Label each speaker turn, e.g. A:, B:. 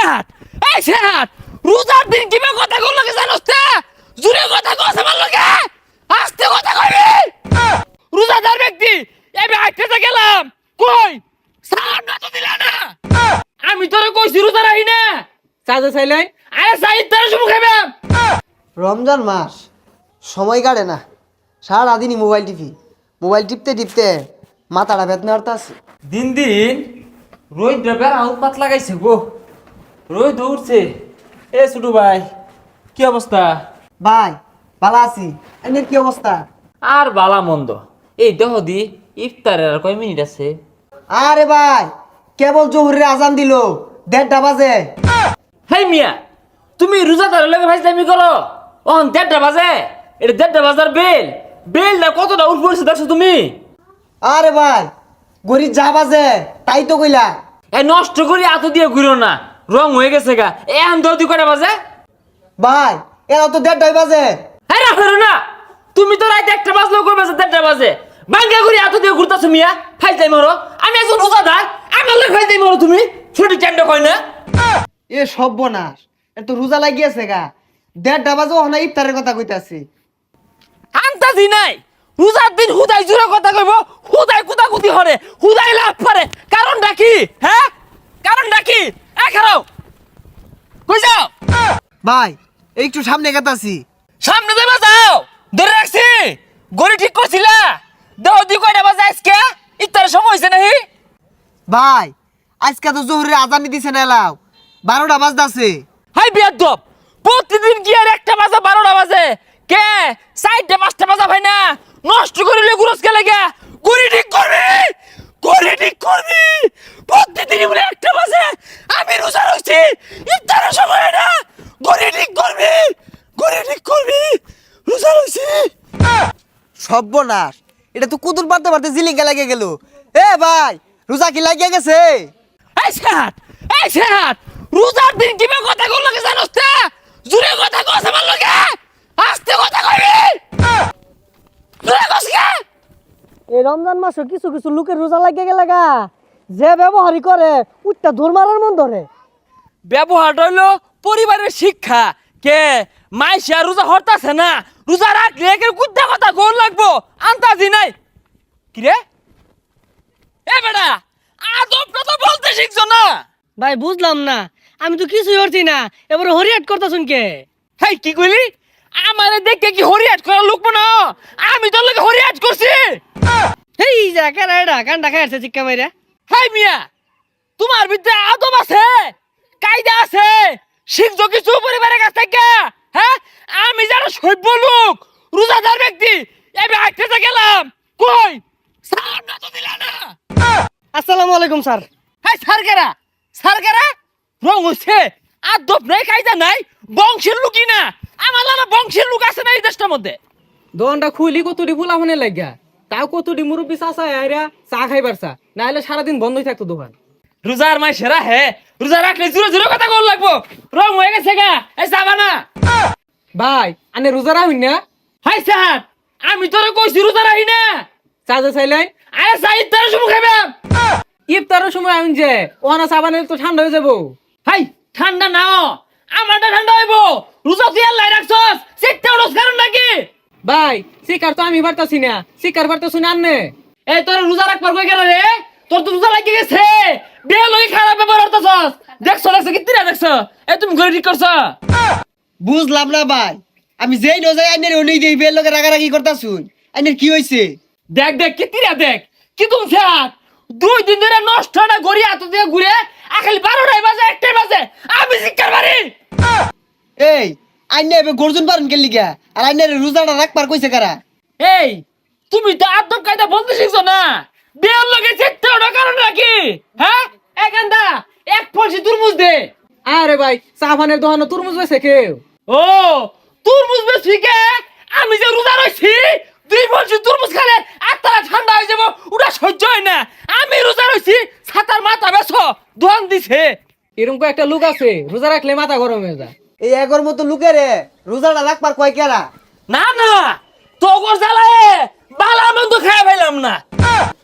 A: সেহাত এই সেহাত রোজার দিন কিবা কথা কল লাগে জানোস তে জুরে কথা কস আমার লগে আস্তে কথা কইবি রোজাদার ব্যক্তি আমি আইতে গেলাম কই সালাম না তো দিলা না আমি তোরে কইছি রোজা রাখি না
B: চাচা চাইলেন
A: আরে সাইদ তোর শুমু খাইবাম
C: রমজান মাস সময় কাটে না সারাদিনই মোবাইল টিপতে টিপতে মাথাটা বেদনা আছে।
B: দিন দিন রোদ ড্রাইভার আউটপাত লাগাইছে গো রোদ দৌড়ছে এ ছোটু ভাই কি অবস্থা
C: ভাই ভালো আছি, এমনি কি অবস্থা?
B: আর বালা মন্দ এই দেহ দি ইফতারের আর কয় মিনিট আছে
C: আরে ভাই কেবল জোহরের আজান দিল 1:30 বাজে।
B: হেই মিয়া তুমি রোজাদারের লগে ফাইজলামি করো অন 1:30 বাজে এটা 1:30 বাজার বেলটা কতটা উঠ পড়ছে দেখছো তুমি
C: আরে ভাই গরিব যা বাজে তাই তো কইলা।
B: এ নষ্ট করি এত দিয়ে ঘুরো না রং হয়ে গেছে গা এখন দৌদি কটা বাজে
C: ভাই এরা তো 1:30 বাজে।
B: হ্যাঁ রাখো না তুমি তো রাইতে 1টা বাজলেও কই বাজে 1:30 বাজে বাঙ্গা ঘুরি এত দিয়ে ঘুরতাছো মিয়া ফাইজলাই মারো আমি একজন রোজাদার আমার লগে ফাইজলাই মারো তুমি ছোট চান্ড কই না
C: এ সর্বনাশ, এ তো রোজা লাগিয়েছে গা 1:30 বাজে ওখানে ইফতারের কথা কইতাছি।
A: আন্তাজি নাই রোজার দিন হুদাই জুরে কথা কইব হুদাই কুতাকুতি হরে হুদাই লাভ পারে কারণটা কি হ্যাঁ কারণটা কি এ খারাও কই যাও
C: ভাই একটু সামনে গেতাছি।
A: সামনে যাবা যাও ধরে রাখছি গড়ি ঠিক করছিলা দেহ দি কয়টা বাজে আজকে ইত্তার সময় হইছে নাহি
C: ভাই আজকে তো জোহরের আজান দিছে না এলাও 12টা বাজতাছে।
A: হাই বিয়াদব প্রতিদিন কি আর 1টা বাজে 12টা বাজে কে 4টা 5টা বাজা ভাই না নষ্ট করিলে গুরস কে লাগা গড়ি ঠিক করবি প্রতিদিন বলে 1টা বাজে আমি রোজা রইছি ইফতারের সময় না গড়ি ঠিক করবি রোজা রইছি
C: সর্বনাশ, এটা তো কুতুর পারতে পারতে জিলিঙ্গা লাগে গেল। এ ভাই রোজা কি লাগিয়ে গেছে?
A: এই সেহাত রোজার দিন কিবা কথা কল লাগে জানোস তে জুরে কথা কস আমার লগে আস্তে কথা কইবি জুরে কস কে
D: এই রমজান মাসে কিছু কিছু লোকের রোজা লাগিয়ে গেলে গা যে ব্যবহারই করে উঠটা ধর মারার মন ধরে।
A: ব্যবহারটা হইলো পরিবারের শিক্ষা কে মাইশা রোজা হরতাছে না রোজা রাখলে একের কুদ্দা কথা গোল লাগবো আন্তাজি নাই কি রে এ বেটা আদবটা তো বলতে শিখছো না
D: ভাই বুঝলাম না, আমি তো কিছুই করছি না, এবারে হরিয়াট করতেছুন কে?
A: হেই কি কইলি আমারে দেখে কি হরিয়াট করা লোক না আমি তোর লগে হরিয়াট করছি
D: হেই যা কেন এটা কান্ডা খাইছে চিক্কা মাইরা।
A: হাই মিয়া তোমার ভিতরে আদব আছে কায়দা আছে শিখছো কিছু পরিবারের কাছ থেকে হ্যাঁ আমি যারা সভ্য লোক রোজাদার ব্যক্তি আমি আইতে গেলাম কই সালাম না তো দিলা না
D: আসসালামু আলাইকুম স্যার।
A: হাই সারকেরা রং হচ্ছে আদব নাই কায়দা নাই বংশের লোকই না আমার লাগা বংশের লোক আছে না এই দেশটার মধ্যে
B: দোকানটা খুলি কতটি ফুলাফানে লাগা তাও কতটি মুরব্বী চাচা আইরা চা খাইবারছা না হলে সারাদিন বন্ধই থাকতো দোকান
A: রোজার মাই সেরা হে রোজা রাখলে জোরে জোরে কথা কল লাগবো রং হয়ে গেছে গা এই যাবা না
B: ভাই আনে রোজা রাখুন না
A: হাই স্যার আমি তোরে কইছি রোজা রাখি না
B: চাচা চাইলেন
A: আরে সাইদ তোর শুমু খাইবাম
B: ইফতারের সময় আমি যে ওহানা সাবানের তো ঠান্ডা হয়ে যাবো
A: হাই ঠান্ডা নাও আমারটা ঠান্ডা হইবো রোজা তুই আল্লাহ রাখছস সিটটা ওরস কারণ নাকি
B: ভাই শিকার তো আমি পারতাছি না শিকার পারতাছি না আন্নে
A: এই তোর রোজা রাখবার কই গেল রে তোর তো রোজা লাগি গেছে বে লই খারাপ ব্যবহার করতেছস দেখছ কি তিরা দেখছ এই তুমি ঘরে ঠিক করছ
C: বুঝলাম না ভাই, আমি যেই নজাই আইনের ওই দেই বের লগে রাগারাগি করতাছুন, আইনের কি হইছে?
A: দেখ কি তিরা দেখ কি তুমি স্যার 2 দিন ধরে নষ্ট না গড়ি হাত দিয়ে ঘুরে আখালি 12টায় বাজে 1টায় বাজে আমি শিকার বাড়ি
C: এই আইনে এবে গর্জন পারেন কে লিগা? আর আইনের রোজাটা রাখবার কইছে কারা?
A: এই তুমি তো আদব কায়দা বলতে শিখছো না বেল লগে চেতে ওটা কারণ নাকি হ্যাঁ একান্দা এক ফলসি তুরমুজ দে
B: আরে ভাই সাবানের দোকানে তরমুজ বেছে কেউ
A: ও তুরমুজ বেশি কে আমি যে রোজা রইছি 2 ফলসি তুরমুজ খেলে আত্মারা ঠান্ডা হয়ে যাব ওটা সহ্য হয় না আমি রোজা রইছি ছাতার মাথা বেছো দোয়ান দিছে
B: এরকম একটা লোক আছে রোজা রাখলে মাথা গরম হয়ে যায়
C: এই এগর মতো লোকেরে রোজাটা রাখবার কয় কেরা?
A: না তোগর জ্বালায় বালা মন্দ খাই ফেলাম না